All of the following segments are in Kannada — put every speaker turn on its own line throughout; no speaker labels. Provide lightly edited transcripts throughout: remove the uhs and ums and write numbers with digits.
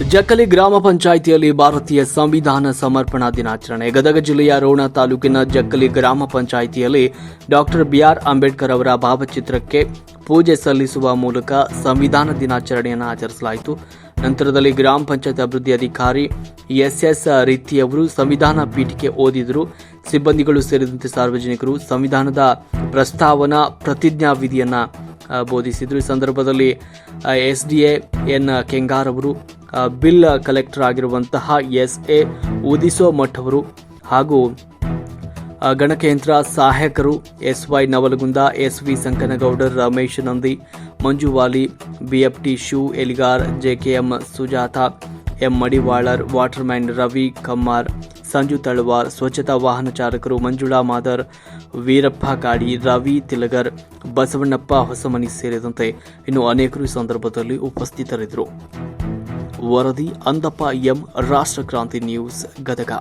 ಜಕ್ಕಲಿ ಗ್ರಾಮ ಪಂಚಾಯಿತಿಯಲ್ಲಿ ಭಾರತೀಯ ಸಂವಿಧಾನ ಸಮರ್ಪಣಾ ದಿನಾಚರಣೆ. ಗದಗ ಜಿಲ್ಲೆಯ ರೋಣ ತಾಲೂಕಿನ ಜಕ್ಕಲಿ ಗ್ರಾಮ ಪಂಚಾಯಿತಿಯಲ್ಲಿ ಡಾಕ್ಟರ್ ಬಿಆರ್ ಅಂಬೇಡ್ಕರ್ ಅವರ ಭಾವಚಿತ್ರಕ್ಕೆ ಪೂಜೆ ಸಲ್ಲಿಸುವ ಮೂಲಕ ಸಂವಿಧಾನ ದಿನಾಚರಣೆಯನ್ನು ಆಚರಿಸಲಾಯಿತು. ನಂತರದಲ್ಲಿ ಗ್ರಾಮ ಪಂಚಾಯತ್ ಅಭಿವೃದ್ಧಿ ಅಧಿಕಾರಿ ಎಸ್ಎಸ್ ರೀತಿಯವರು ಸಂವಿಧಾನ ಪೀಠಿಕೆ ಓದಿದರು. ಸಿಬ್ಬಂದಿಗಳು ಸೇರಿದಂತೆ ಸಾರ್ವಜನಿಕರು ಸಂವಿಧಾನದ ಪ್ರಸ್ತಾವನಾ ಪ್ರತಿಜ್ಞಾವಿಧಿಯನ್ನು ಬೋಧಿಸಿದರು. ಈ ಸಂದರ್ಭದಲ್ಲಿ ಎಸ್ಡಿಎ ಎನ್ ಕೆಂಗಾರ್ ಅವರು, ಬಿಲ್ ಕಲೆಕ್ಟರ್ ಆಗಿರುವಂತಹ ಎಸ್ಎ ಉದಿಸೋ ಮಠ್ ಅವರು ಹಾಗೂ ಗಣಕಯಂತ್ರ ಸಹಾಯಕರು SY Navalgund, SV Sankanagoudar, Ramesh Nandi, Manjuvali, BFT ಶೂ Eligar, JKM Sujata, M Madivalar, waterman Ravi Kammar, Sanju Talwar, ಸ್ವಚ್ಛತಾ ವಾಹನ ಚಾಲಕರು ಮಂಜುಳಾ ಮಾದರ್, ವೀರಪ್ಪ ಕಾಡಿ, ರವಿ ತಿಲಗರ್, ಬಸವಣ್ಣಪ್ಪ ಹೊಸಮನಿ ಸೇರಿದಂತೆ ಇನ್ನು ಅನೇಕರು ಈ ಸಂದರ್ಭದಲ್ಲಿ ಉಪಸ್ಥಿತರಿದ್ದರು. ವರದಿ ಅಂದಪ್ಪ ಎಂ, ರಾಷ್ಟ್ರಕ್ರಾಂತಿ ನ್ಯೂಸ್, ಗದಗ.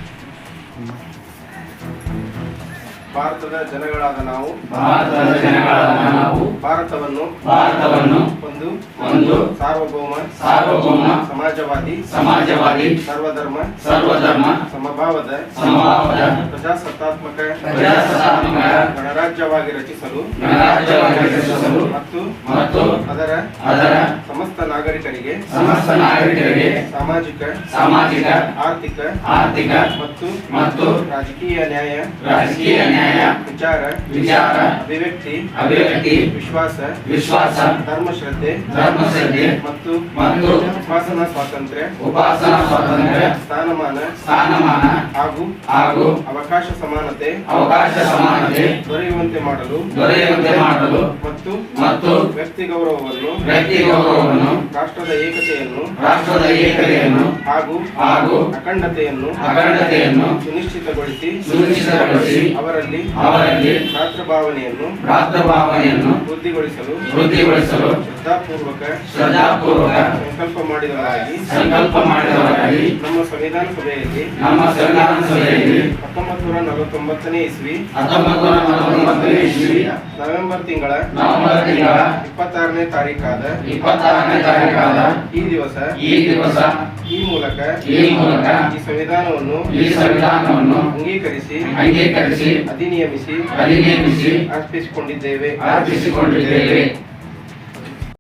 ಭಾರತದ ಜನಗಳಾದ ನಾವು ಭಾರತವನ್ನು ಒಂದು ಸಾರ್ವಭೌಮ ಸಮಾಜವಾದಿ ಸರ್ವಧರ್ಮ ಸಮಭಾವದ ಪ್ರಜಾಸತ್ತಾತ್ಮಕ ಗಣರಾಜ್ಯವಾಗಿ ರಚಿಸಲು ಮತ್ತು ಅದರ ಸಮಸ್ತ ನಾಗರಿಕರಿಗೆ ಸಾಮಾಜಿಕ ಆರ್ಥಿಕ ಮತ್ತು ರಾಜಕೀಯ ನ್ಯಾಯ ವಿಚಾರ ಅಭಿವ್ಯಕ್ತಿ ವಿಶ್ವಾಸ ಧರ್ಮಶ್ರದ್ಧೆ ಮತ್ತು ಉಪಾಸನಾ ಸ್ವಾತಂತ್ರ್ಯ ಸ್ಥಾನಮಾನ ಹಾಗೂ ಅವಕಾಶ ಸಮಾನತೆ ದೊರೆಯುವಂತೆ ಮಾಡಲು ಮತ್ತು ವ್ಯಕ್ತಿ ಗೌರವವನ್ನು ರಾಷ್ಟ್ರದ ಏಕತೆಯನ್ನು ಹಾಗೂ ಅಖಂಡತೆಯನ್ನು ಸುನಿಶ್ಚಿತಗೊಳಿಸಿ ಅವರಲ್ಲಿ ರಾಷ್ಟ್ರಭಾವನೆಯನ್ನು ವೃದ್ಧಿಗೊಳಿಸಲು ಶ್ರದ್ಧಾಪೂರ್ವಕ ಸಂಕಲ್ಪ ಮಾಡಿದವರಾಗಿ ನಮ್ಮ ಸಂವಿಧಾನ ಸಭೆಯಲ್ಲಿ 1949ನೇ ಇಸ್ವಿ ನವೆಂಬರ್ ತಿಂಗಳ 26ನೇ ತಾರೀಕಾದ ಈ ದಿವಸ ಈ ಮೂಲಕ ಈ ಸಂವಿಧಾನವನ್ನು ಅಂಗೀಕರಿಸಿ ಅಧಿನಿಯಮಿಸಿ ಅರ್ಪಿಸಿಕೊಂಡಿದ್ದೇವೆ.